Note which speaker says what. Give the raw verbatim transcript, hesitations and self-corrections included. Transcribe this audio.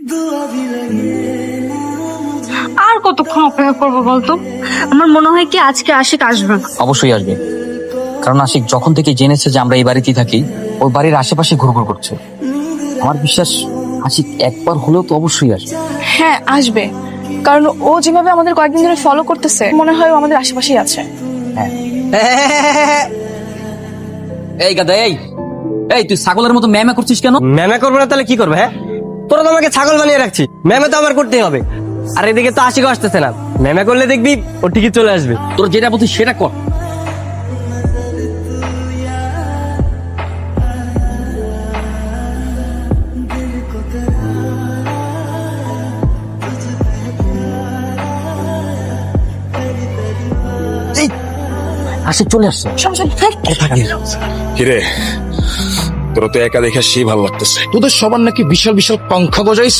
Speaker 1: আর কতক্ষণ অপেক্ষা করবো বলতো? আমার মনে হয় কি আজকে আশিক আসবে।
Speaker 2: অবশ্যই আসবে, কারণ আশিক যখন থেকে জেনেছে যে আমরা এই বাড়িতেই থাকি, ওই বাড়ির আশেপাশে ঘুরঘুর করছে। আমার বিশ্বাস আশিক একবার হলেও তো অবশ্যই আসবে।
Speaker 3: হ্যাঁ আসবে, কারণ ও যেভাবে আমাদের কয়েকদিন ধরে ফলো করতেছে মনে হয় ও আমাদের আশেপাশেই আছে।
Speaker 2: হ্যাঁ। এই গাদা, এই এই তুই ছাগলের মতো ম্যামে করছিস কেন?
Speaker 4: ম্যামে করবো না তাহলে কি করবে? হ্যাঁ, তোরা তো আমাকে ছাগল বানিয়ে রাখছি, ম্যামে তো আমার করতেই হবে। আর এদিকে তো আশিক আসতেছে না, ম্যামে করলে দেখবি ও ঠিকই চলে আসবে।
Speaker 2: তোর যেটা বলছি সেটা কর। এই, আশিক চলে আসছে।
Speaker 5: কিরে, তোরা তো একা দেখে সেই ভালো লাগতেছে। তোদের সবার নাকি বিশাল বিশাল পাংখা গজাইছে।